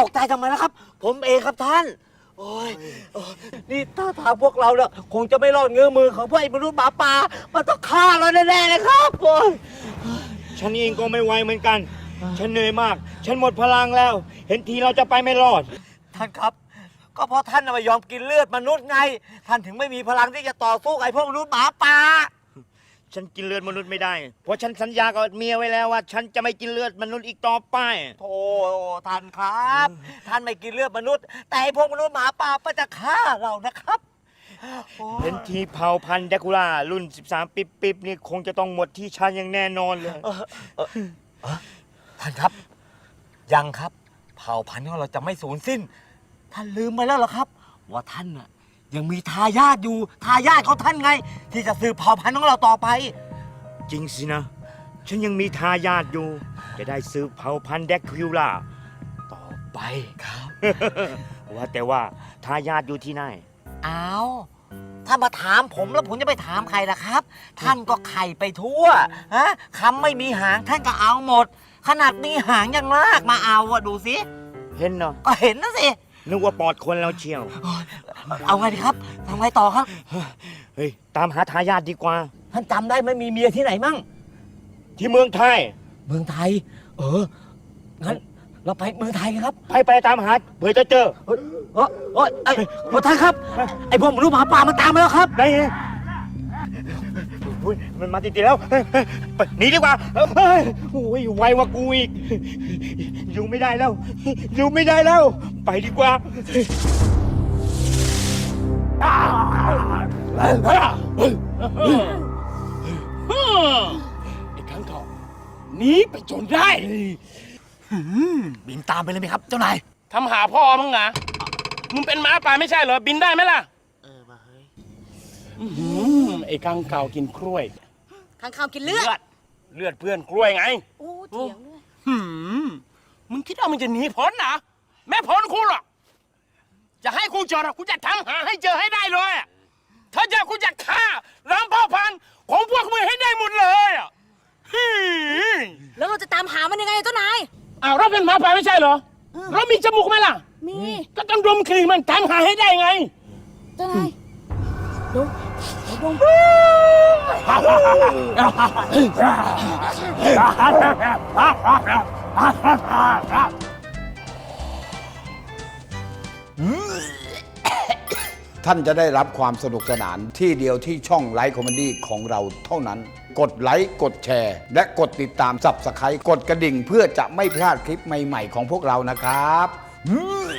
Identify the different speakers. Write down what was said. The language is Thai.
Speaker 1: กใจทำไมล่ะครับ ผมเองครับท่านโอ้ยนี่ถ้าทางพวกเราเนี่ยคงจะไม่รอดเงื้อมือของพวกไอ้มนุษย์หมาป่ามันต้องฆ่าเราแน่ๆเลยครับโอ้ย
Speaker 2: ฉันเองก็ไม่ไหวเหมือนกัน ฉันเหนื่อยมาก ฉันหมดพลังแล้ว เห็นทีเราจะไปไม่รอด
Speaker 1: ท่านครับ ก็เพราะท่านไม่ยอมกินเลือดมนุษย์ไง ท่านถึงไม่มีพลังที่จะต่อสู้กับไอ้พวกมนุษย์หมาป่า
Speaker 2: ฉันกินเลือดมนุษย์ไม่ได้ เพราะฉันสัญญากับเมียไว้แล้วว่า ฉันจะไม่กินเลือดมนุษย์อีกต่อไป
Speaker 1: โธ่ท่านครับ ท่านไม่กินเลือดมนุษย์ แต่ไอ้พวกมนุษย์หมาป่าก็จะฆ่าเรานะครับโอ้ย
Speaker 2: เห็นทีเผ่าพันธุ์แดกูล่ารุ่น 13 ปิ๊บๆนี่คงจะต้องหมดที่ฉันอย่างแน่นอนเลย
Speaker 1: ท่านครับ ยังครับ เผ่าพันธุ์ของเราจะไม่สูญสิ้น ท่านลืมไปแล้วเหรอครับ ว่าท่านน่ะยังมีทายาทอยู่ ทายาทของท่านไง ที่จะสืบเผ่าพันธุ์ของเราต่อไป
Speaker 2: จริงสินะ ฉันยังมีทายาทอยู่ จะได้สืบเผ่าพันธุ์แดกูล่าต่อไป
Speaker 1: ครับ
Speaker 2: ว่าแต่ว่าทายาทอยู่ที่ไหน
Speaker 1: อ้าวถ้ามาถามผมแล้วผมจะไปถามใครล่ะครับ ท่านก็ไข่ไปทั่วฮะคำไม่มีหางท่านก็เอาหมด ขนาดมีหางยังลากมาเอาอะดูสิ
Speaker 2: เห็นเนาะ
Speaker 1: ก็เห็นนะสิ
Speaker 2: นึกว่าปอดคนเราเชียว
Speaker 1: เอาไงดีครับทำไงต่อครับ
Speaker 2: เฮ้ย ตามหาทายาทดีกว่า
Speaker 1: ท่านจำได้ไหมมีเมียที่ไหนมั่ง
Speaker 2: ที่เมืองไทย
Speaker 1: เมืองไทย งั้นเราไปเมืองไทยกันครับ
Speaker 2: ไปตามหาเผื่อจะเจอ
Speaker 1: ท่านครับ ไอ้พวกมนุษย์หมาป่ามันตามมาแล้วครับ
Speaker 2: ได้ไงอุ๊ยมันมาติดๆแล้วไปหนีดีกว่าเฮ้ยโอ้ยไวกว่ากูอีก อยู่ไม่ได้แล้ว อยู่ไม่ได้แล้ว ไปดีกว่า
Speaker 3: ไอ้ข้างเขาหนีไปจนได้
Speaker 1: บินตามไปเลยไหมครับ เจ้านาย
Speaker 3: ทำหาพ่อมึงนะมึงเป็นหมาป่าไม่ใช่เหรอ บินได้ไหมล่ะ
Speaker 1: มาเฮ้ย
Speaker 3: ไอ้ข้างเขากินกล้วย
Speaker 4: ข้างข่าวกินเลือด
Speaker 3: เลือดเพื่อนกล้วยไง
Speaker 4: โอ้เถียงด้วย
Speaker 3: มึงคิดว่ามึงจะหนีพ้นนะแม่พ้นกูหรอกจะให้กูเจอกูจะทำหาให้เจอให้ได้เลยอะถ้าเจอกูจะฆ่าล้างเผ่าพันธุ์ของพวกมึงให้ได้หมดเลยอะ
Speaker 4: แล้วเราจะตามหามันยังไงเจ้านาย
Speaker 3: อ้าวเราเป็นหมาป่าไม่ใช่เหรอ เรามีจมูกไหมล่ะ
Speaker 4: มี
Speaker 3: ก็ต้องดมกลิ่นมันตามหาให้ได้ไง
Speaker 4: เจ้านายดมดม
Speaker 5: ท่านจะได้รับความสนุกสนานที่เดียวที่ช่องไลฟ์คอมเมดี้ของเราเท่านั้น กดไลค์กดแชร์ และกดติดตามSubscribeกดกระดิ่งเพื่อจะไม่พลาดคลิปใหม่ๆของพวกเรานะครับ